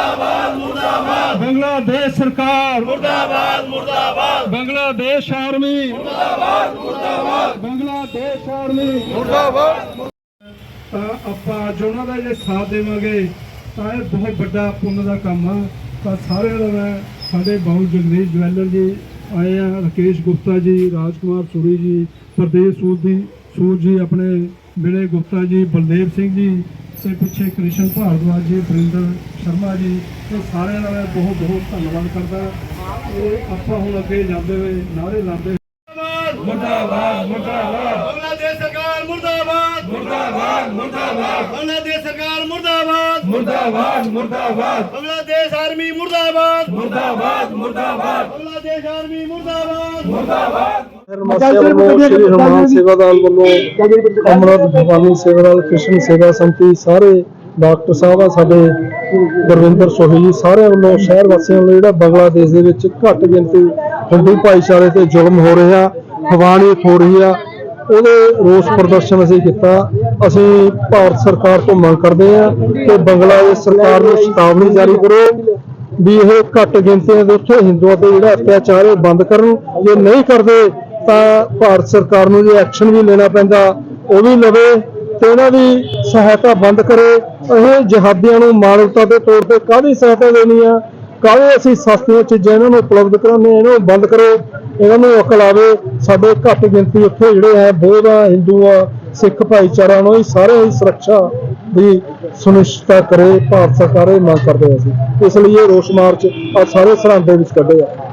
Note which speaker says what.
Speaker 1: मुर्दाबाद मुर्दाबाद
Speaker 2: बांग्लादेश सरकार
Speaker 1: मुर्दाबाद मुर्दाबाद
Speaker 2: बांग्लादेश आर्मी
Speaker 1: मुर्दाबाद मुर्दाबाद
Speaker 2: बांग्लादेश आर्मी
Speaker 1: मुर्दाबाद।
Speaker 2: ਤਾਂ ਆਪਾਂ ਅੱਜ ਉਹਨਾਂ ਦਾ ਜੇ ਸਾਥ ਦੇਵਾਂਗੇ ਤਾਂ ਇਹ ਬਹੁਤ ਵੱਡਾ ਪੁੰਨ ਦਾ ਕੰਮ ਆ। ਤਾਂ ਸਾਰਿਆਂ ਦਾ ਮੈਂ ਸਾਡੇ ਬਾਉ ਜਗਦੀਸ਼ ਜਵੈਲਰ ਜੀ ਆਏ ਆ, ਰਾਕੇਸ਼ ਗੁਪਤਾ ਜੀ, ਰਾਜकुमार सूरी जी, प्रदेश सूद जी, अपने विनय गुप्ता जी, बलदेव सिंह जी ਤੇ ਪਿੱਛੇ ਕ੍ਰਿਸ਼ਨ ਭਾਰਦਵਾਜ ਜੀ, ਵਰਿੰਦਰ ਸ਼ਰਮਾ ਜੀ, ਇਹ ਸਾਰਿਆਂ ਦਾ ਮੈਂ ਬਹੁਤ ਬਹੁਤ ਧੰਨਵਾਦ ਕਰਦਾ। ਇਹ ਆਪਾਂ ਹੁਣ ਅੱਗੇ ਜਾਂਦੇ ਹੋਏ ਨਾਅਰੇ ਲਾਉਂਦੇ
Speaker 1: मुर्दाबाद
Speaker 2: ਮੁਰਦਾਬਾਦ
Speaker 1: बांग्लादेश सरकार मुर्दाबाद मुर्दाबाद मुर्दाबाद बांग्लादेश सरकार मुर्दाबाद
Speaker 2: मुर्दाबाद मुर्दाबाद
Speaker 1: बांग्लादेश आर्मी मुर्दाबाद
Speaker 2: मुर्दाबाद मुर्दाबाद
Speaker 1: बांग्लादेश आर्मी मुर्दाबाद मुर्दाबाद।
Speaker 2: श्री हनुमान सेवादार ਵੱਲੋਂ ਅਮਰਤ ਭਵਾਨੀ ਸੇਵਾਦਾਰ ਕ੍ਰਿਸ਼ਨ ਸੇਵਾ ਸੰਮਤੀ ਸਾਰੇ ਡਾਕਟਰ ਸਾਹਿਬ ਆ, ਸਾਡੇ ਗੁਰਵਿੰਦਰ ਸੋਹੀ ਜੀ, ਸਾਰਿਆਂ ਵੱਲੋਂ ਸ਼ਹਿਰ ਵਾਸੀਆਂ ਵੱਲੋਂ ਜਿਹੜਾ ਬੰਗਲਾਦੇਸ਼ ਦੇ ਵਿੱਚ ਘੱਟ ਗਿਣਤੀ ਹਿੰਦੂ ਭਾਈਚਾਰੇ ਤੇ ਜ਼ੁਲਮ ਹੋ ਰਿਹਾ, ਹਵਾਨੀਅਤ ਹੋ ਰਹੀ ਆ, ਉਹਦੇ ਰੋਸ ਪ੍ਰਦਰਸ਼ਨ ਅਸੀਂ ਕੀਤਾ। ਅਸੀਂ ਭਾਰਤ ਸਰਕਾਰ ਤੋਂ ਮੰਗ ਕਰਦੇ ਹਾਂ ਕਿ ਬੰਗਲਾਦੇਸ਼ ਸਰਕਾਰ ਨੂੰ ਚੇਤਾਵਨੀ ਜਾਰੀ ਕਰੋ ਵੀ ਇਹ ਘੱਟ ਗਿਣਤੀਆਂ ਦੇ ਉੱਥੇ ਹਿੰਦੂਆਂ ਤੇ ਜਿਹੜਾ ਅਤਿਆਚਾਰ ਹੈ ਬੰਦ ਕਰਨ। ਜੇ ਨਹੀਂ ਕਰਦੇ ਤਾਂ ਭਾਰਤ ਸਰਕਾਰ ਨੂੰ ਜੇ ਐਕਸ਼ਨ ਵੀ ਲੈਣਾ ਪੈਂਦਾ ਉਹ ਵੀ ਲਵੇ ਤੇ ਇਹਨਾਂ ਦੀ ਸਹਾਇਤਾ ਬੰਦ ਕਰੇ। ਇਹ ਜਿਹਾਦੀਆਂ ਨੂੰ ਮਾਨਵਤਾ ਦੇ ਤੌਰ ਤੇ ਕਾਹਦੀ ਸਹਾਇਤਾ ਦੇਣੀ ਆ, ਕਾਹਦੇ ਅਸੀਂ ਸਸਤੀਆਂ ਚੀਜ਼ਾਂ ਇਹਨਾਂ ਨੂੰ ਉਪਲਬਧ ਕਰਾਉਂਦੇ, ਇਹਨਾਂ ਨੂੰ ਬੰਦ ਕਰੋ, ਇਹਨਾਂ ਨੂੰ ਅਕਲ ਆਵੇ। ਸਾਡੇ ਘੱਟ ਗਿਣਤੀ ਉੱਥੇ ਜਿਹੜੇ ਹੈ ਬੋਧ ਆ, ਹਿੰਦੂ ਆ, ਸਿੱਖ ਭਾਈਚਾਰਾ ਨੂੰ ਸਾਰੇ ਹੀ ਸੁਰੱਖਿਆ ਦੀ ਸੁਨਿਸ਼ਚਿਤਤਾ ਕਰੇ। ਭਾਰਤ ਸਰਕਾਰ ਇਹ ਮੰਗ ਕਰਦੇ ਅਸੀਂ, ਇਸ ਲਈ ਇਹ ਰੋਸ ਮਾਰਚ ਆ ਸਾਰੇ ਸਰਹੰਦ ਦੇ ਵਿੱਚ ਕੱਢੇ ਆ।